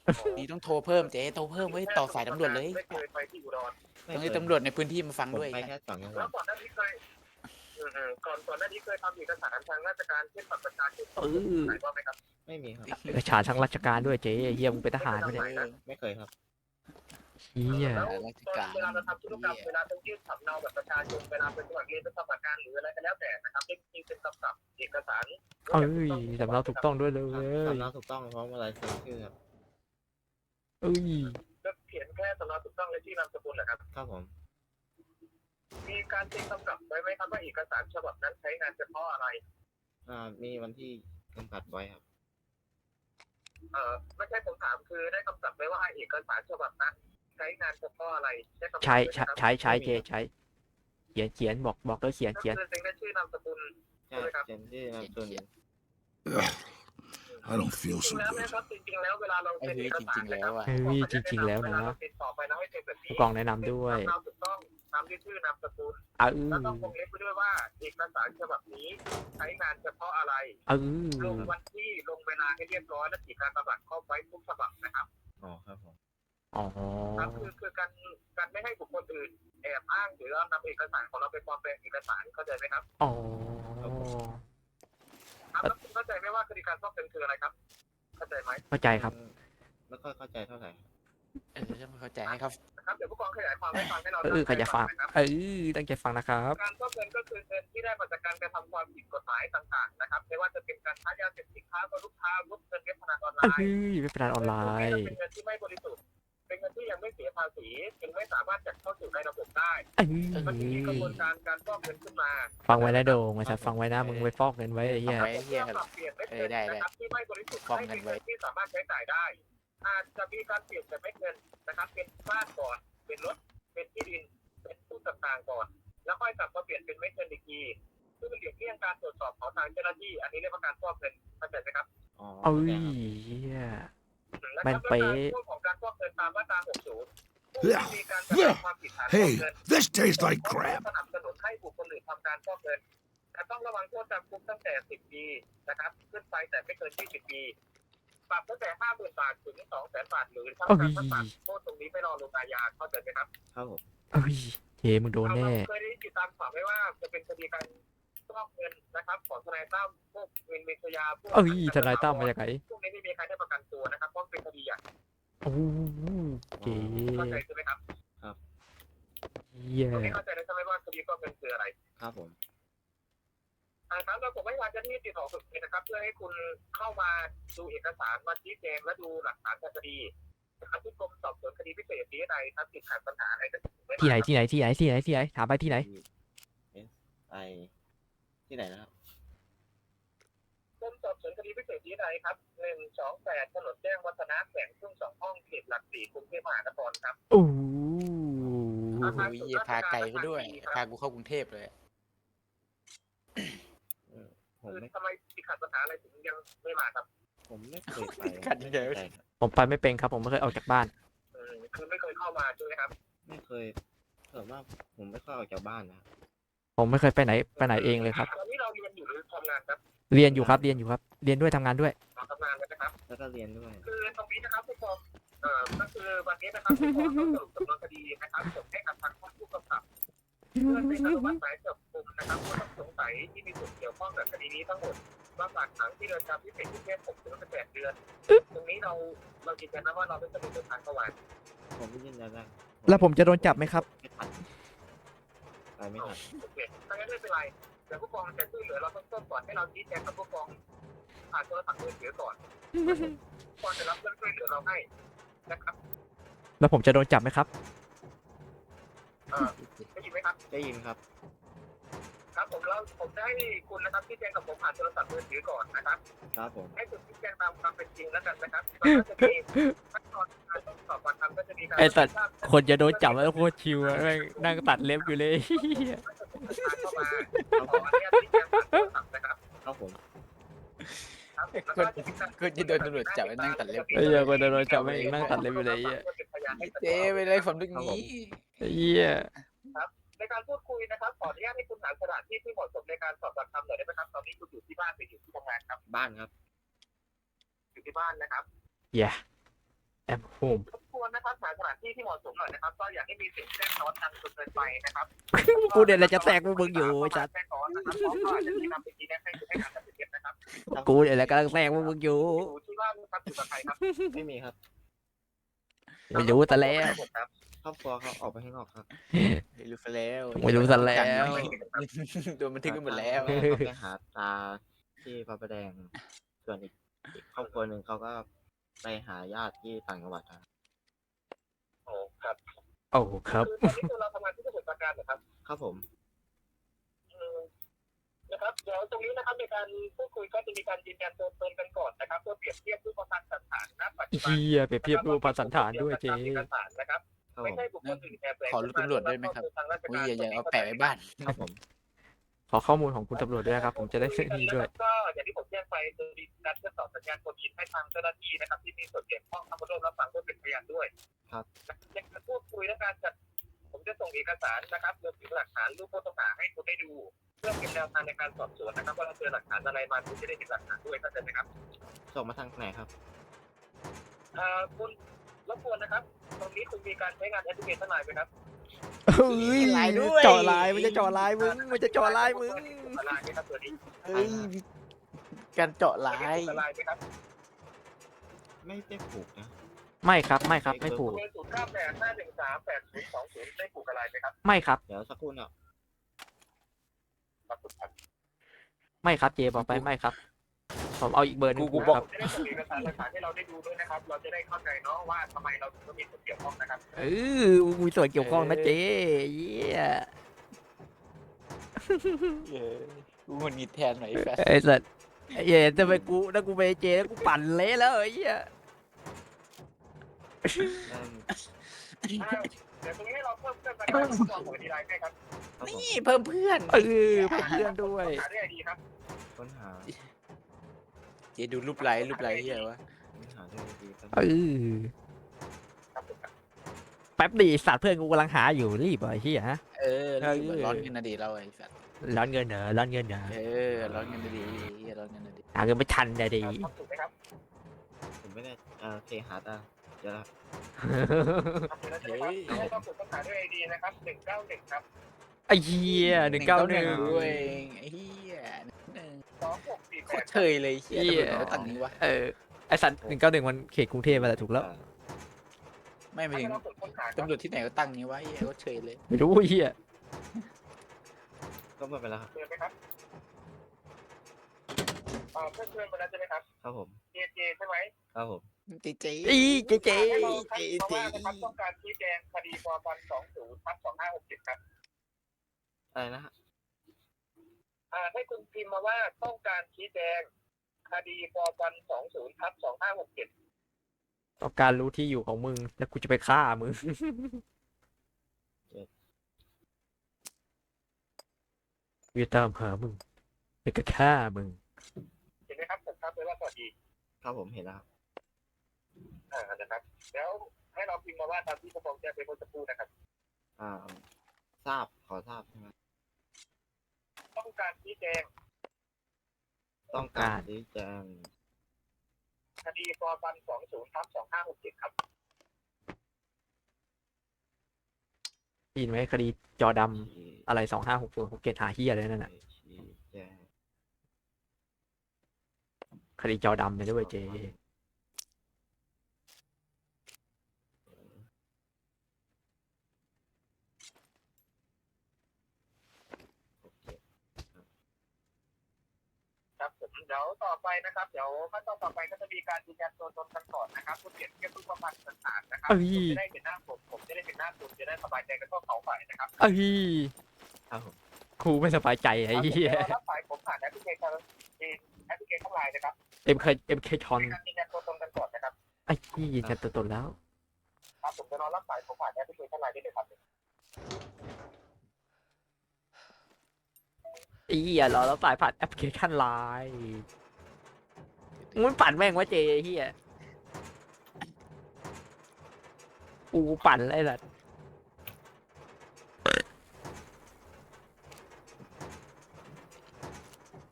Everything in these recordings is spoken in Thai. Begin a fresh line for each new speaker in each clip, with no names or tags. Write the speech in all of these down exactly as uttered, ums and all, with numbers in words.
นี่ต้องโทรเพิ่มเจ๊โทรเพิ่มไว้ต่อสายตำรวจเลย
ไม่เคยไปที่อุดร
ต้องให้ตำรวจในพื้นที่มาฟัง
ผม
ด้วย
ไปแค่สองจังหวั
แล้
ด
วก่อนหน้านี้เคยก่อนก่อนหน้านี้เคยทำเอกสารทางราชการเช่นบัตรประชาชน
เออ
ไหนบ้างไหมครับ
ไม่มีครับ
เอกสารทางราชการด้วยเจ๊เฮียมึงเป็นทหารปะเนี่ย
ไม่เคยครับ
เฮีย
แล้วตอนเวลาเราทำธุรกรรมเวลาต้องยื่นสำเนาบัตรประชาชนเวลาเป็นสมัครเรียนเป็นสมัครงานหรืออะไรก็แล้วแต่นะครับจริงๆเป็นกำกับเอกสาร
เอ้ยสำเนาถูกต้องด้วยเลย
สำเนาถูกต้องพร้อมอะไรเซ็นชื่อครับ
เอ้ย
ก็เขียนแค่สำเนาถูกต้องและชื่อนามสกุลเหรอครับ
ครับผม
มีการเซ็นกำกับไว้ไหมครับว่าเอกสารฉบับนั้นใช้งานเฉพาะอะไร
อ่ามีวันที่จำกัดไว้ครับ
เอ่อไม่ใช่ผมถามคือได้กำกับไว้ว่าเอกสารฉบับนั้นใช้งานเฉพาะอะไรได้กำกับ
ใช้
ไว้ไหม
ใช้
ครับ
ใช้ใช้เจ๊ใช้เขียนเขียนบอกบอกด้วยเขียน
ก็
เขียน
คือเซ็นได้ชื่อนามสกุล
ใช่
ใช่ไหมครับ
เซ็นชื่อนามสกุล
I don't
จ
feel
ริง
so
ๆแล้วนะ
good.
ครับจริงๆแล้วเวลาเรา
ไอ้
เซ็น
เฮ้
เอย ก
จ
สาร
ริงๆ
นะ
แล้
คว รับ
อ่ะ
เฮ้ยจริงๆแล้วนะ
เวลาเราติดต่อไปเราให้เซ็นแบบนี้
ผู้กองแนะนำด้วย
สำเนาถูกต้องตามที่ชื่อนามสกุล
เอ
แล้ว
อ
ต้องวงเล็บไปด้วยว่าเอกสารฉบับนี้ใช้งานเฉพาะอะไร
เอ
ล
อง
วันที่ลงเวลาให้เรียบร้อยและขีดการกำหนดข้อไว้ทุกฉบับนะครับ
อ๋อครับผม
อ๋อ
ครับคือคือการการไม่ให้บุคคลอื่นแอบอ้างหรือเอานำเอกสารของเราไปปลอมแปลงเอกสารเข้าใจไหมครับ
อ๋อ
ครับแล้วคุณเข้าใจไหมว่าคดีการฟอกเงินคืออะไรครับ เข้าใจไหม
เข้าใจครับ
ไม่ค่อยเข้าใจเท่าไหร่
เออจะไม่เข้าใจให้ครับ
นะครับเดี๋ยวผู้กองขยายความให้ฟังให้เรา
เออใครจะฟัง
นะครับ
เออตั้งใจฟังนะครับ
การฟอกเงินก็คือเงินที่ได้มาจากการกระทำความผิดกฎหมายต่างๆนะครับไม่ว่าจะเป็นการค้ายาเสพติดค้ามนุษย์ค้าวุฒิเงินเว็บพนันออนไล
เอ้
น์
ยไม่เป็นไรออนไลน์
เป็นเงินที่ไม่บริสุทธิ์ เป็นเงินที่ยังไม่เสียภาษีจึงไม่สามารถจัดเข้าสู่ในระบบได้
เอ้ย
มันจึงมีกระบวนการการฟอกเงินขึ้นมา
ฟังไว้นะโดงไอ้สัตว์ฟังไว้นะมึงไปฟอกเงินไว้ไอ้เหี้ย
เอาไว้ เหี้ย
ปรับเปลี่ยนไม่
เอ
เงิ
อน ได้ได้
นะครับที่ไม่บริสุทธิ์
ฟอก
ให้
เงิ
เป็น น
ไว้
เงินที่สามารถใช้จ่ายได้ อาจจะมีการเปลี่ยนแต่ไม่เงินนะครับ เป็นบ้านก่อน เป็นรถ เป็นที่ดิน เป็นผู้ต่างๆก่อน แล้วค่อยกลับมาเปลี่ยนเป็นไม่เงินอีกทีเพื่อหลีกเลี่ยงการตรวจสอบของทางเจ้าหน้าที่ อันนี้เรียกว่าการฟอกเงินเข้าใจไหมครับ
อ๋อ
เอ้
เข้าใจ
ย
ครับ
เหี้ย
และ
แม่นเป๊ะ
ช่วงของการฟอกเงินตามมาตรา หกสิบ ผู้ที่มีการกระทำความผิดฐานฟอก
Hey,
เงิน
this tastes like
ส
crap.
นับสนุนให้บุคคลอื่นทำการฟอกเงินแต่ต้องระวังโทษจำคุกตั้งแต่ สิบ ปีนะครับ ขึ้นไปแต่ไม่เกิน ยี่สิบ ปี ปรับตั้งแต่ ห้าหมื่น บาทถึง สองแสน บาท หรือทั้งจำทั้งปรับโทษตรงนี้ไม่รอลงอาญาเข้าใจไหมครับ
ครับผม
เอ้ยเจมึงโดนแน่
เราเคยได้ติดตามข่าวไหมว่าจะเป็นคดีการฟอกเงินนะครับของทนายตั้มพวกเงินเมชยาพวก
เอ้ยทนายตั้มมาจากไหน
พวกนี้ไม่มีใครได้ประกันตัวนะครับเพราะเป็นคดีใหญ่
โอ้เจ
เข้าใจใช่ไหมครับ
เหี้ย
ตรงนี้เข้าใจแล้วใช่ไหมว่าคดีฟอกเงินคืออะไร
ครับผม
อ่าครับเราผมให้ทางเจ้าหน้าที่ติดต่อสุดเลยนะครับ เพื่อให้คุณเข้ามาดูเอกสารมาชี้แจงและดูหลักฐานทางคดีนะครับที่กรมสอบสวนคดีพิเศษนี้ในครับติดขัดปัญหาอะไรก็
ที่ไหนที่ไหนที่ไหนที่ไหนที่ไหนถามไปที่ไหน
ไอที่ไหนนะครับ
กรมสอบสวนคดีพิเศษนี้ในครับหนึ่งสองแปดถนนแจ้งวัฒนะแขวงทุ่งสองห้องเขตหลักสี่กรุงเทพมหานครครับ
โอ้
โอ้โหเหี้ยพาไกลไปด้วย พากูเข้ากรุงเทพเลย
ผม
คือ
ไม่
ทำไมติดขัดปัญหาอะไรถึงยังไม่มาครับ
ผมไม่เคยไป
ขัดเดี๋ยว
ไม่เคย
ผมไปไม่เป็นครับผมไม่เคยออกจากบ้าน
อืมคือไม่เคยเข้ามาใช่ไหมครับ
ไม่เคยเกิดว่าผมไม่ค่อยออกจากบ้านนะครับ
ผมไม่เคยไปไหนไปไหนเองเลยครับ
ตอนนี้เราเรียนอยู่หรือทำงานครับ
เรียนอยู่ครับเรียนอยู่ครับ เรียนด้วยทำงานด้วย
เราทำงานกันนะครับ
แล้วก็เรียนด้วย
คือตรงนี้นะครับผู้กองเอ่อก็คือวันนี้นะครับผู้กองต้องสรุปสำนวนคดีนะครับส่งให้กับทางผู้กำกับเพื่อเป็นอนุมัติหมายจับกุมนะครับผู้ต้องสงสัยที่มีส่วนเกี่ยวข้องกับคดีนี้ทั้งหมดมาฝากขังที่เรือนจำพิเศษกรุงเทพหกถึงสิบแปดเดือน ตรงนี้เราเรายืนยันนะว่าเราไม่สนุกเดินทางเข้าวัน
ผมไม่ยืนยันนะ
แล้วผมจะโดนจับไหมครับ
ไม่ทันไปไม่ทัน
โอเคถ้างั้นไม่เป็นไรเดี๋ยวผู้กองจะช่วยเหลือเราต้นต้นก่อนให้เราชี้แจงกับผู้กองผ่านโทรศัพท์มือถือก่อนผู้กองจะรับเรื่องช่วยเหลือเราให้นะครับ
แล้วผมจะโดนจับไหมครับ
เอ่อได้ยินไหมครับ
ได้ยินครับ
ครับผมแล้วผมจะให้คุณนะครับชี้แจงกับผมผ่านโทรศัพท์มือถือก่อนนะครับ
ครับผม
ให้คุณชี้แจงตามความเป็นจริงแล้วกันนะครับแล้วก็จะมีขั้นตอนการต้องสอบปากคำก็จะมีการ
ไอ้สัตว์ คนจะโดนจับแล้วโคตรชิวอะแม่งนั่งตัดเล็บอยู่เลย
เข้ามาขออนุญาตชี้แจงผ่านโทรศัพท์นะครับ
ครับผม
ครับผมแล้วก็จะมีการ
ก็จะโดนตำรวจจับไปนั่งตัดเล็บ
ไอ้เหี้ยคนจะโดนจับแม่งนั่งตัดเล็บอยู่เลยไอ้เหี้ย
ไอ้เจ๊ไปเลยผมลึกนี้
ไอ้เหี้ย
ในการพูดคุยนะครับขออนุญาตให้คุณหาสถานที่ที่เหมาะสมในการสอบปากคำหน่อยได้ไหมครับตอนนี้คุณอยู่ที่บ้านหรืออยู่ที่ทำงานครับ
บ้านครับ
อยู่ที่บ้านนะครับ
เหี้ยแอมโฮม
รบกวนนะครับหาสถานที่ที่เหมาะสมหน่อยนะครับก็อยากให้มีเสียงแทรกซ้อนดังจนเกินไปนะครับ
กูเนี่ยแหละจะแทรกพวกมึงอยู่ไอ้สัส
แทรกซ้อนนะครับเพราะว่าจะมีนำสิ่งนี้ให้ให้อ่านจากเสียงนะครับ
กูเนี่ยแหละกำลังแทรกพวกมึงอยู่
อยู่ที่บ้านนะครับอยู่กับใครครับ
ไม่มีครับ
ไม่รู้แต่แล้ว
ครับ
ครอบครัวเขาออกไปข้างนอกครับ
ไม่รู้ซะแล้ว
ไม่รู้ซะแล้ว
โดนบันทึกกันหมดแล้ว
แม่เขาไปหาตาที่พระประแดง ส่วนอีกอีกครอบครัวหนึ่งเขาก็ไปหาญาติที่ต่างจังหวัดครับ
โอ้ครับ
โอ้ครับ
คือตอนนี้คือเราทำงานที่สมุทรปราการนะครับ
ครับผม
อืมนะครับเดี๋ยวตรงนี้นะครับในการพูดคุยก็จะมีการยืนยันตัวตนกันก่อนนะครับเพื่อเปรียบเทียบรูปพรรณสันฐานณปัจจุบัน
เฮียเปรียบเทียบรูปพรรณสันฐานด้วยเจ๊
เอกสารนะครับ
ครับผ
ไม่
ม
ใช่บุคคลอื่นแอบแฝง
ขอรูปตำรวจด้วยไหมครับ อุ้ยอย่าอย่าเอาแปะไว้บ้าน
ครับผม
ขอข้อมูลของคุณตำรวจด้วยนะครับ ผมจะได้นี่ด้วย
ก็อย่างที่ผมแจ้งไปคือมีการทดสอบสัญญาณโฟนอินให้ทางเจ้าหน้าที่นะครับที่มีส่วนเกี่ยวข้องเข้ามาร่วมรับฟังเพื่อเป็นพยานด้วย
ครับ
ในการพูดคุยและการจัดผมจะส่งเอกสารนะครับรวมถึงหลักฐานรูปผู้ต้องหาให้คุณได้ดู เพื่อเป็นแนวทางในการสอบสวนนะครับว่าเราเจอหลักฐานอะไรมาคุณจะได้เห็นหลักฐานด้วยเข้าใจไหมครับ
ส่งมาทางไหนครับ
เอ่อคุณรบกวนนะครับ ตรงนี้คุณมีการใช้งานแอปพลิเคชันไลน์ไหมครับ
เฮ้ยเจาะลายมันจะเจาะลายมึงมันจะเจาะลายมึง
ไลน์ไหมครับตัวนี้
เฮ้ยการเจาะลาย
ไลน์ไหมครับ
ไม่ได้ผูกนะ
ไม่ครับไม่ครับไม่ผูก
เบอร์ศูนย์เก้าแปดห้าหนึ่งสามแปดศูนย์สองศูนย์ได้ผูกอะไรไหมครับ
ไม่ครับ
เดี๋ยวสักครู่เนี่ย
ขอบคุณครับ
ไม่ครับเจบอกไปไม่ครับ ผมเอาอีกเบอร์หนึง
กู
ค
บอก
รับ
จะได้ส่งเอกสารหลักฐานให้เราได้ดูด้วยนะครับ เราจะได้เข้าใจเนาะว่าทำไมเราถึงต้องมีส่วนเกี่ยวข้องนะครับ
เออมีส่วนเกี่ยวข้องนะเจ๊เยี่ย
เออกูมันมีแทนหน่อยไอ้แฟช
ไอ้สัสไอ้เหี้ยจะไปกูถ้ากูไปเจแล้วกูปั่นเละแล้วไอ้เหี้ย
นั่น
เดี๋ยวตรงนี้เราเพิ่มเติมนะครับตัวหัวดีไลน์ให้ครับ
ครับผม
นี่เพิ่มเพื่อน
เออเพื่อนด้วย
หาได้ไอดีครับ
ค้นหา
เจดูรูปไลค์รูปไลค์เฮียวะ
ค้นหาด้วยดีครับ
เออ
ครับผมครับ
แป๊บดิสัตว์เพื่อนกูกำลังหาอยู่รีบเหรอไอ้เหี้ยฮะ
เออรีบอะร้อนเงินนะดีเราไอ้สัตว์
ร้อนเงินเหรอร้อนเงินเหรอ
เออร้อนเงินนะดีเฮียร้อนเงินนะดี
หาเงินไม่ทันเลยดิ
ครับถูกไหมครับ
ผมไม่ได้เอ่อโอเคหาตาเดี๋ยวละ
ครับเดี๋ยวเราจะได้ครับให้เราผูกต้องหาด้วยไอดีนะครับหนึ่งเก้าหนึ่งครับ
ไอ้เหี้ยหนึ่งเก้าหนึ่ง
ด้วยไอ้เฮียหนึ่ง
สองหกสี่
โค
แป
ต
ด
รเฉยเลยเฮียตำรวจเขาตั้งนี้วะ
เออไอสัตว์หนึ่งเก้าหนึ่งมันเขตกรุงเทพมาแต่ถูกแล้ว
ไม่ไปถึง
เราผูกค้นหาครับ
ตำรวจที่ไหนก็ตั้งนี้วะเฮียโคตรเฉยเลย
ไม่รู้ไอ้เหี้ย
ก็หมดไปแล้วครับ
เชิญไหมครับอ่าเพื่อนเชิญมาแล้วใช่ไหมครับ
ครับผม
เจเจใช่ไหม
ครับผม
เจเจ
อีเจ๊เจ๊
ให้เราให้เพราะว่านะครับต้องการชี้แจงคดีปปสองศูนย์ทับสองห้าหกเจ็ดครับ
อะไรนะฮะ
อ่าให้คุณพิมพ์มาว่าต้องการชี้แจงคดีปปสองศูนย์ทับสองห้าหกเจ็ด
ต้องการรู้ที่อยู่ของมึงแล้วกูจะไปฆ่ามึงกูจะตามหามึงแล้วก็ฆ่ามึง
เห็นไหมครับผมครับเลยว่าสวัสดี
ครับผมเห็นแล้วครับ
อ่านะครับแล้วให้เราพิมพ์มาว่าตามที่ผมบอกแจ้งไปเมื่อสักครู่นะครับ
อ่าทราบขอทราบใช่ไหม
ต้องการชี้แจง
ต้องการชี้แจง
คดีปปสองศูนย์ทับสองห้าหกเจ็ดครับ
ได้ยินไหมคดีจอดำ
ชี้
อะไรสองห้าหกศูนย์หกเกตหาเฮียเลยนั่นน่ะ
ชี้แจง
คดีจอดำเลยด้วยเจ
โอเค
ครับผมเดี๋ยวต่อไปนะครับเดี๋ยวขั้นตอนต่อไปก็จะมีการยืนยันตัวตนกันก่อนนะครับเพื่อเปรียบเทียบรูปพรรณต่างๆนะครับ
เอ้ย
คุณจะได้เห็นหน้าผมผมจะได้เห็นหน้าคุณจะได้สบายใจกันทั่วเขาฝ่ายนะครับ
เอ้ย
ครับผม
ครูไม่สบายใจไอ้เหี้ย
ดี๋วเรารับสายผมผ่านแอปพลิเคชันแอปพลิเคชันไลน์นะครับ
เอ็มเคเอ็มเคชอน
การยืนยันตัวตนกันก่อนนะครับ
ไอ้ที่ยืนยันตัวตนแล้ว
ครับผมจะรอรับสายผมผ่านแอปพลิเคชันไลน์ได้เลยครับ
ไอ้เหี้ยรอแล้วสายผ่านแอปพลิเคชันไลน์มึงปั่นแม่งวะเจไอ้เหี้ยกูปั่นอะไรล่ะ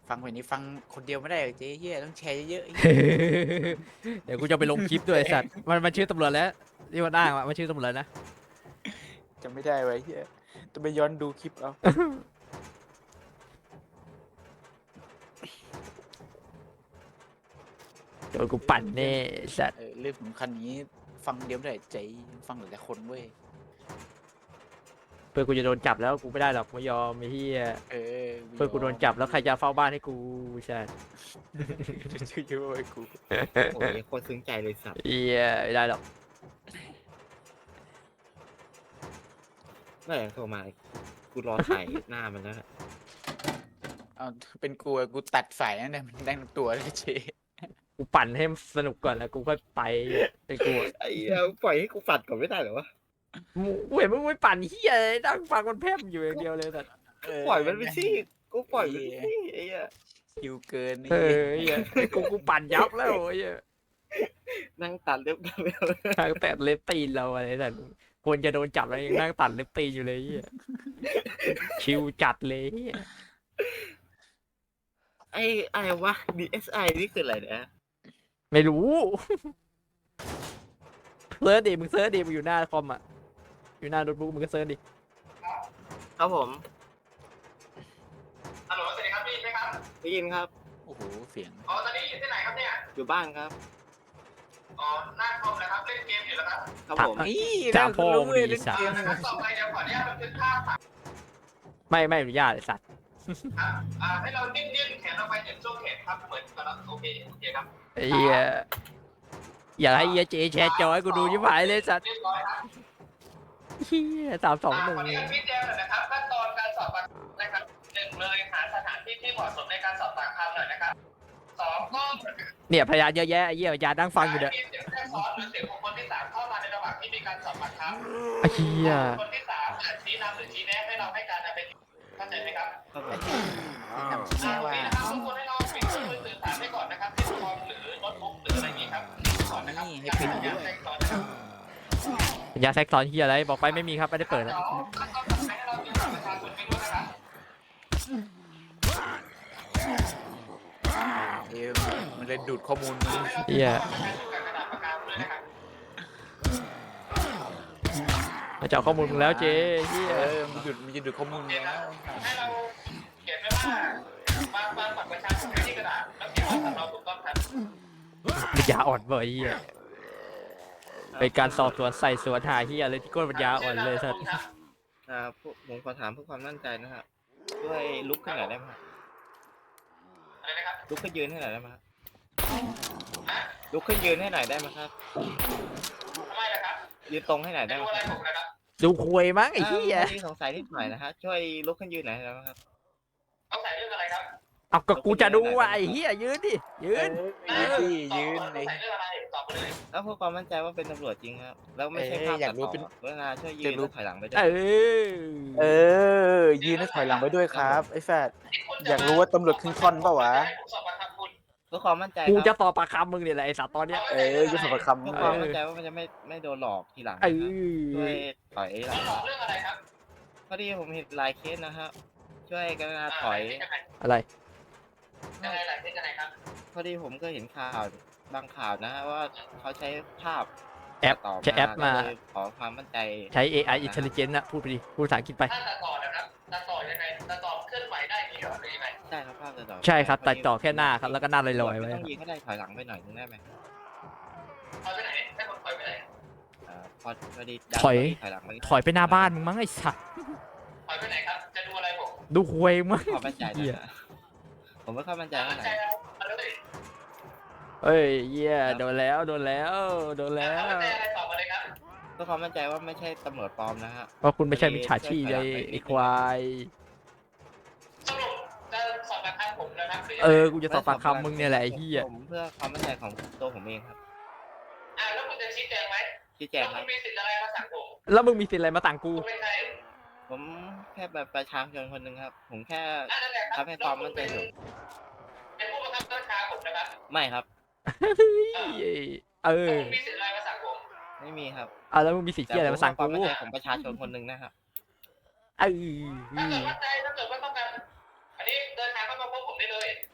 ฟังเพลงนี้ฟังคนเดียวไม่ได้หรอกเจ๊เหี้ยต้องแชร์เยอะๆไอ้
เดี๋ยวกูจะไปลงคลิปด้วยไอ้สัตว์มันมันชื่อตำรวจแล้วที่มันอ้างว่ามันชื่อตำรวจนะ
จำไม่ได้ไว้เหี้ยต้องไปย้อนดูคลิปเอา
โดนกูปั่นแน่ไอ้สัตว์
เออเรื่องสำคัญนี้ฟังเดียวไม่ได้ใจฟังหลายๆคนเว้ย
เพื่อนกูจะโดนจับแล้วกูไม่ได้หรอกไม่ยอมไอ้เหี้ย
เออ
เพื่อนกูโดนจับแล้วใครจะเฝ้าบ้านให้กูใช่
ชื่อเยอะเว้ยกู
โอ้ยโคตรซึ้งใจเลยสัตว์
เหี้ยไม่ได้หรอก
เมื่อไหร่โทรมากูรอถ่ายหน้ามันแล้วอะ
เอาเป็นกูอะกูตัดสายนั่นแหละมันได้ตัวเลยเจ๊
กูปั่นให้มันสนุกก่อนแล้วกูค่อยไปเป็นกูอะ
ไอ้เหี้ยปล่อยให้กูฝัดก่อนไม่ได้เหรอวะ
มึงกูเห็นมึงไม่ปั่นเหี้ยเลยนั่งฟังมันแพร่มอยู่อย่างเดียวเลยแต่
ปล่อยมันไปสิกูปล่อยมันไปสิไอ้เหี้ย
คิวเกิน
เอ
ไอ้
อ
เหี้ย
เหี้ยกูกูปั่นยับแล้วไอ้เหี้ย
นั่งตัดเล็บกันไปเลย
ทางแต่เล็บตีนเราอะไรแต่ควรจะโดนจับแล้วยังนั่งตัดเล็บตีนอยู่เลยเหี้ยชิวจัดเลยเหี้ย
ไอ้อะไรวะ ดี เอส ไอ นี่คืออะไรเนี่ย
ไม่รู้เซิร์ชดิมึงเซิร์ชดิมึงอยู่หน้าคอมอ่ะอยู่หน้าโน้ตบุ๊กมึงก็เซิร์ชดิ
ครับผม
ฮัลโหลสวัสดีครับพี่ไหมครับ
ได้ยินครับ
โอ้โหเสียง
อ๋อตอนนี้อยู่ที่ไหนครับเนี่ย
อยู่บ้านครับ
อ๋อหน้าคอมนะครับเล่นเกมอยู่แล้วครับ
ครับ
ถาม
ผม
อี
ถามพ่อมึงดิ
เล่น
สัตว์
เกม
นะครับต่อไปเดี๋ยวขออนุญาตบันทึกภาพครับ
ไม่ไม่อนุญาตไอ้สัตว์
อ่าให้เราดิ้นดิ้นแขนออกไปจากช่วงแขนครับเหมือนกับเราโอเคโอเคครับ
ไอ้เหี้ยอยากให้เหี้ยเจแชร์จอให้กูดูยิ่งหายเลยสัตว์
เรียบร้อยครับ
เหี้ยสามสองหนึ่ง
ขออนุญาตชี้แจงหน่อยนะครับขั้นตอนการสอบปากคำนะครับหนึ่งเลยหาสถานที่ที่เหมาะสมในการสอบปากคำหน่อยนะครับสองก็
เนี่ยพยานเยอะแยะไอ้เหี้ยพยานนั่งฟังอยู่เนี่ย
มีเสียงแทรกซ้อนหรือเสียงของคนที่สามเข้ามาในระหว่างที่มีการสอบปากคำ
ไอ้เหี้ย
คนที่สามอาจชี้นำหรือชี้แนะให้เราให้การเป็นเข้าใจไหมครับ
ครับผม
นำชี้แนะว่า
นะครับทุกคนให้เราปิดเครื่องมือสื่อสารไว้ก่อนนะครับที่คอมหรือโน้ตบุ๊กหรืออะไรอย่างนี้ครับก่อนนะครับ
นี่ให้ปิดด้วย
ยาแซกซ้อนเหี้ยอะไรบอกไปไม่มีครับไม่ได้เปิดนะ
แล้วก็ให้เราดูบัตรประชาชนไปด้วยนะครับ
เอ็มมันเลยดูดข้อมูลมึง
เหี้ย
ประชาชนกับกระดาษปากกาด้วยนะครับ
มาเจาะข้อมูลมึงแล้วเจ๊เหี้ย
เออมันดูดมันจะดูดข้อมูลมึงแล้ว
ให้เราเขียนไว้ว่ามามาบัตรประชาชนไว้ที่กระดาษแล้วเขียนว่าสำเราถูกต้องครับ
ปัญญาอ่อนเว้ยเหี้ยเป็นการสอบสวนใส่สวนหาเหี้ยเลยที่ก้นปัญญาอ่อนเลยสัตว์
อ่าพวกผมขอถามเพื่อความมั่นใจนะครับช่วยลุกขึ้นหน่อยได้ไหมครับ
อะไรนะครับ
ลุกขึ้นยืนให้หน่อยได้ไหมครับลุกขึ้นยืนให้หน่อยได้ไหมครับ
ทำไมล่ะครับ
ยืนตรงให้หน่อย
จะ
ได้ไห
ดู
ม
อะไร
ครับ
ผมนะครับ
ดูควยมั้งไอ้เหี้ย
อ่าวันนี้สงสัยนิดหน่อยนะฮะช่วยลุกขึ้นยืนหน่อยได้ไหมครับ
ต้องใส่เรื่องอะไรครับ
เอาก็กูจะดูว่าไอ้เหี้ยยืนดิยืน
เออที่ยืน
ต้
เล
อง
ย
ใส่เรื่องอะไรตอบมาเลย
แล้วเพื่อความมั่นใจว่าเป็นตำรวจจริงครับแล้วไม่ใช่
เอ้ย
ภาพ
อยา
ตั
ก
ด
รู้
ต่อ
เป็น
เวลาช่วยยื
อยาน กรู้
แล้วถอยหลังไปด้ว
เอย อ
เออ ยืนให้ถอยหลังไปด้วยครับไอ้แฟดอยากรู้ว่าตำรวจครึ่งท่อนเปล่าวะ
ผมสอบปากคำคุณ
เพื่อความมั่นใจ
กู
ค
จะ
รับ
ต่อปากคำมึงเนี่ยแหละไอ้สัตว์ตอนเนี้ย
เออจะสอบปากคำ
เพื่อ
เอ
ความ
อ
มั่นใจว่ามันจะไม่ไม่โดนหลอกทีหลัง
เอ
นะครับช่วย
อ
ถอยหลั
แล้
ง
วหลอกเรื่องอะไรครับ
พอดีผมเห็นหลายเคสนะครับช่วยกรุณาถอย
อะไร
ยังไงหลายเรื่องยังไงครับ
พอดีผมก็เห็นข่าวบางข่าวนะฮะว่าเขาใช้ภาพ
แอป
ต่อ
ใช้แอปมา
ก็เลยขอความมั่นใจ
ใช้ เอ ไอ intelligence นะพูดไปดิพูดภาษาอังกฤษไป
ถ้าตัดต่อนะครับตัดต่อยังไงตัดต่อเคลื่อนไหวได้ดีเหรอหรือยังไง
ได้ครับภาพตัดต่อ
ใช่ครับตัดต่อแค่หน้าครับแล้วก็หน้าลอยๆไว้
ไม่
ค
ต้
รั
อบ งยิงก็ได้ถอยหลังไปหน่อยนึงได้ไหม
ถอยไปไหนให้ผมถอยไปไหน
อ่าพอพอดี
ถอย
ถอยหลังไป
ถอยไปหน้าบ้านมึงมั้งไอ้สัตว์
ถอยไปไหนครับ จะดูอะไรผม
ดูควยมั้ง
ความมั่นใจ
เหี้ย
นะฮะผมไม่ค่อยมั่นใจ
จะ
เท่าไหร่
ใจเอาอะไรเลย
เอ้ยเหี้ยโดนแล้วโดนแล้วโดนแล้ว
ใจอะไรตอบมาเลยครับ
เพื่อความมั่นใจว่าไม่ใช่ตำรวจปลอมนะฮะ
เพราะคุณไม่ใช่มิจฉาชีพเลยไอ้ควาย
สรุปจะสอบปากคำผมนะครับหรือยัง
เอ
ไง
อกูจะสอบปากคำมึงเนี่ยแหละไอ้เหี้ย
ผมเพื่อความมั่นใจของตัวผมเองครับ
อ่าแล้วคุณจะชี้แจงไหม
ชี้แจ
แล้ว
งค
คุ
รับ
ณมีสิทธิ์อะไรมาสั่งผม
แล้วมึงมีสิทธิ์อะไรมาต่างกู
คุณเป็นใคร
ผมแค่แบบประชาชนคนหนึ่งครับ ผมแค่
อ่านั่นแหละครับ
ทำให้ความมั่นใจ
แล้ว
สู
คุณเป็น
ง
เป็นผู้บังคับบัญชาผมนะครับ
ไม่ครับ
เอ
แล้ว
อ
คุณมีสิทธิ์อะไรมาสั่งผม
ไม่มีครับ
เอาแล้วมึงมีสิทธิ์
แต่
เหี้ยอะไร
ผม
มาสั่ง
ควา
กู
มมั่นใจของประชาชนคนหนึ่งนะครับ
เออ
ถ้าเกิดมั่นใจถ้าเกิดว่าต้องการอันนี้เดินทางเข้ามาพบผมได้เลย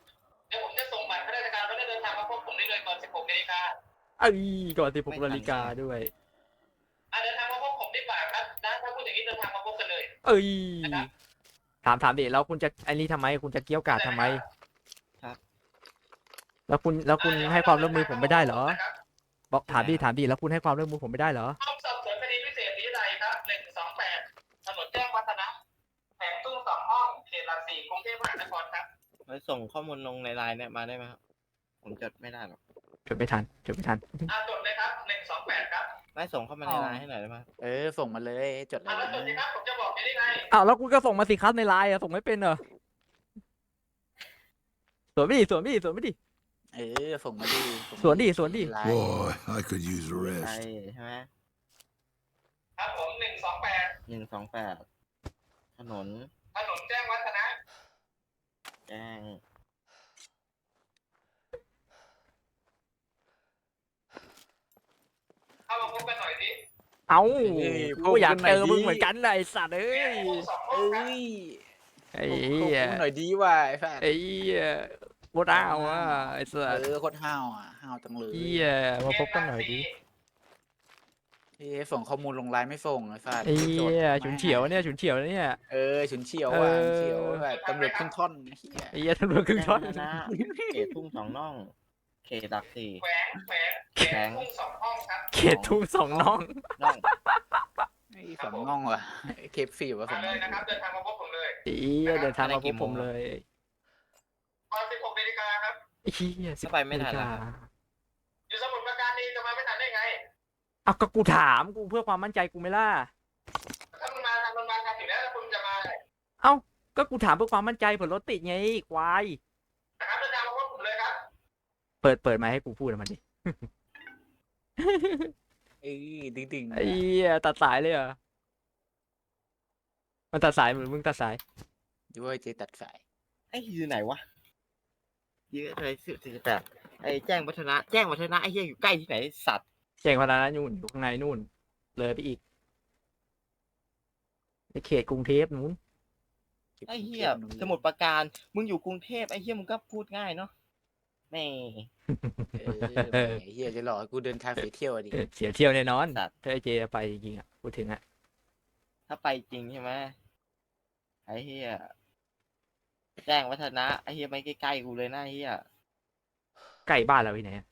เอ้ยก่อนสิบหกนาฬิกาด้วย
อ่ะเดินทางมาพบผมดีกว่าครับนะถ้าพูดอย่างนี้เดินทางมาพบกันเลย
เอ้ย
นะครับ
ถามถามดิแล้วคุณจะไอ้นี่ทำไมคุณจะเกี้ยวกาดทำไม
ครับ
แล้วคุณแล้วคุณให้ความร่วมมือผมไม่ได้เหรอ
นะครับ
บอกถามดิถามดิแล้วคุณให้ความร่วมมือผมไม่ได้เหรอ
ห้องสอบสวนคดีพิเศษวิทยาครับหนึ่งสองแปดถนนแจ้งวัฒนะแผงตู้สองห้องเขตหลักสี่กรุงเทพมหานครครับ
ไว้ส่งข้อมูลลงในไลน์เนี่ยมาได้ไหมครับ ผมจดไม่ได้หรอก
จดไม่ทันจดไม่ทัน
อ่ะจดเลยครับหนึ่งสองแปดครับ
ไม่ส่งเข้ามาในไลน์ให้หน่อยได้ไหมครับ
เออส่งมาเลยจดเล
อ่ะ
ย
แล้วจดสิครับผมจะบอกไปได้ไง
อ้าวแล้วคุณก็ส่งมาสิครับในไลน์อะส่งไม่เป็นเหรอสวนไม่ดิสวนไม่ดิสวนไม่ดิ
เออส่งมาดิ
สวนดิสวนดิ
ไลน์
Boy, I could use a
ใช่
rest.
ใช่ไหม
ครับผมหนึ่งสองแปด
หนึ่งสองแปดถนน
ถนนแจ้งวัฒนะ
แจ้ง
เข้ามาพบกันหน่อยดิ
เอ้า
เอ้ย
กูอยาก
พบกันหน่
เจ
อย
อ
ดิ
มึงเหมือนกันนะไอ้สัตว์เอ้
แผ
ย
งตู้สองห้อง
เอ้
ครับ
ย
ไอ้
ข
เหี้ย
อบคุณหน่อยดีว่ะไอ้แฟน
ไอ้เหี้ยโคตรอ้าวอ่ะไอ้สั
เอ
ตว์
อโคตรห้าวอ่ะห้าวจังเลย
เหี้ยมาพบกันหน่อยดิ
เอ้ยส่งข้อมูลลงไลน์ไม่ส่งไอ้แฟน
ไอ้เหี้ยฉุนเฉียวเนี่ยฉุนเฉียวเนี่ย
เออฉุนเฉียวว่ะ
เออ
ฉุนเฉียวแบบตำรวจขึ้นท่อนเหี้ย
ไอ้เหี้ยตำรวจครึ่งท่อน
แจ้งวัฒนะเขตทุ่งสองน่อง เขตหลักสี่
แขวงแขวงแขวงทุ่งสองห้องครับ
เขตทุ่งสองน้อง
น่อง
ไอ้สองง่องว่ะเคฟซีว่ะส
มา
อง
เล
ง่อย ง
นะครับเดินทางมาพบผมเลย
ไอ้เหี้ยเดินทางมาพบผมเลย
ตอนสิบหกนาฬิกาครับ
ไอ้เหี้ยสิบ
ถ้าไปไม่ทันแล้วครับ
อยู่สมุทรปราการนี่จะมาไม่ทันได้ไง
เอาก็กูถามกูเพื่อความมั่นใจกูไม่ล่ะ
ถ้ามันมาทางมันมาทางอยู่แล้วแล้วคุณจะมา
เอ้าก็กูถามเพื่อความมั่นใจเผื่อรถติดไงควาย
นะครับเดินทางมาพบผมเลยครับ
เปิดเปิดมาให้กูพูดอะมันดิ
เอ้ยดึงดึงๆ
ไอ้เหี้ยตัดสายเลยเหรอมันตัดสายเหมือนมึงตัดสาย
ด้วยเจตัดสาย
ไอ้อยู่ไหนวะยืดอะไรสิบสี่สิบแปดไอ้แจ้งวัฒนะ แจ้งวัฒนะไอ้เหี้ยอยู่ใกล้ที่ไหนสัตว์
แจ้งพนันนู่นอยู่ข้างในนู่น เลยไปอีกในเขตกรุงเทพนู้น
ไอ้เหี้ยสมุทรปราการ มึงอยู่กรุงเทพไอ้เหี้ยมึงก็พูดง่ายเนาะแม่
เออไอ้เฮียจะหลอกให้กูเดินทางไปเที่ยวอะดิ
เสียเที่ยวแน่นอน
สัตว์
ถ้าไอเจไปจริงๆอ่ะพูดถึงอ่ะ
ถ้าไปจริงใช่ไหมไอ้เหี้ยแจ้งวัฒนะไอ้เหี้ยไม่ใกล้ๆกูเลยนะไอ้เหี้ย
ใกล้บ้านเราที่ไหนอะ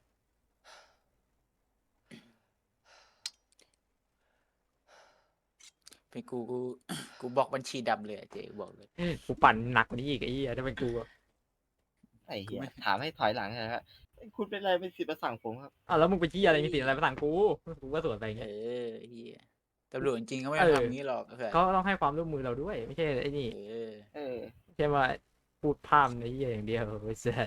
เป็นกูกูกูบอกบัญชีดำเลยอะเจบอกเลย
กูปั่นหนักกว่านี้อีกไอ้เหี้ยถ้าเป็นกูอะ
ไอ้เหี้ยถามให้ถอยหลังนะครับคุณเป็นอะไรเป็นสิทธิ์มาสั่งผมครับ
อ้าวแล้วมึงไปชี้อะไรมีสิทธิ์อะไรมาสั่งกูกูก็สวนไป
เอ
เงี้ย
อไอ้เฮียตำรวจจริงๆก็ไม่
เออ
ทำงี้หรอกไอ้แฟน
ก็ต้องให้ความร่วมมือเราด้วย ไม่ใช่ไอ้นี่
เออ
เออ
ไม่ใช่ว่าพูดพร่ำในเหี้ยอย่างเดียวไอ้เสีย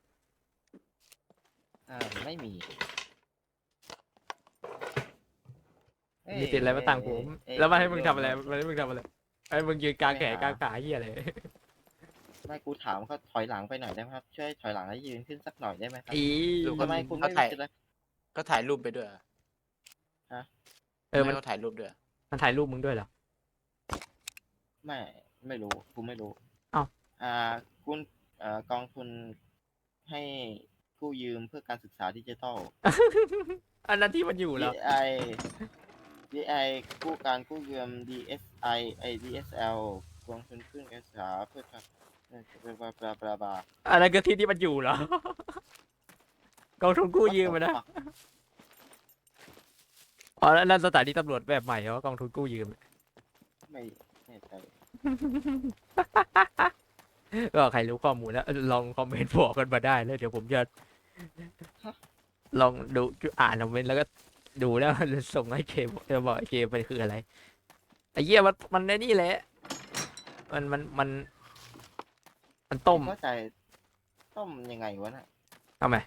อ่าไม่มีเอ้ย
มีสิทธิ์อะไรมาสั่งผม
เอ้ย
แล้วมาให้มึง
เอ้ย
ทำอะไรมาให้มึงทำอะไรไอ้มึงยืนกลางแขนกลางขาเหี้ยอะไร
ไม่กูถามเขาถอยหลังไปหน่อยได้ไหมครับช่วยถอยหลังให้ยืนขึ้นสักหน่อยได้ไหมครับ
อี
ทำไมคุณ
เขา
ไม่
ถ่าย
รู้สึกเลย
ก็ถ่ายรูปไปด้วย
เออมัน
ให้เขาถ่ายรูปด้วย
มันถ่ายรูปมึงด้วยเหรอ
ไม่ไม่รู้กูไม่รู้
อ้าว
อ่าคุณเอ่อกองทุนให้กู้ยืมเพื่อการศึกษาดิจิทัล
อันนั้นที่มันอยู่เหรอ
ดี ไอ ดี ไอ กู้การกู้ยืม ดี เอส ไอ ไอ ดี เอส แอล กองทุนขึ้นการศึกษาเพื่อการบลาบลาบลาบลา
อันนั้นก็ที่ที่มันอยู่เหรอ กองทุนกู้ยืมอะนะ อ๋อแล้วนั่นสถานีตำรวจแบบใหม่เหรอกองทุนกู้ยืม
ไม่แน่ใจ
ก็ใครรู้ข้อมูลแล้วลองคอมเมนต์บอกกันมาได้แล้วเดี๋ยวผมจะลองดูอ่านคอมเมนต์แล้วก็ดูแล้ว ส่งให้เคจะบอกเคไปคืออะไรไอ้เหี้ยมันมันในนี่แหละ มันมันมัน มันต้ม
เข้าใจต้มยังไงวะน่ะ
ทำไม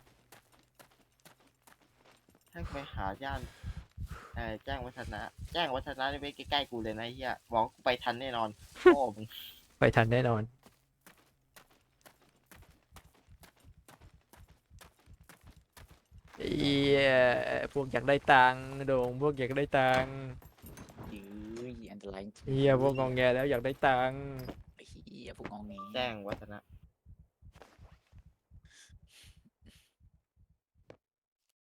ให้ไปหาย่านเอ่อแจ้งวัฒนะ แจ้งวัฒนะนี่ไปใกล้ๆกูเลยนะไอ้เฮียบอกว่ากูไปทันแน่นอนโอ้มึง
ไปทันแน่นอนเอียพวกอยากได้ตังค์โด่งพวกอยากได้ตังค์
ยื้ออันตรายจริง
เฮียพวกงองแงแล้วอยากได้ตังค์
ไอ้เฮียพวกงองแง
แจ้งวัฒนะ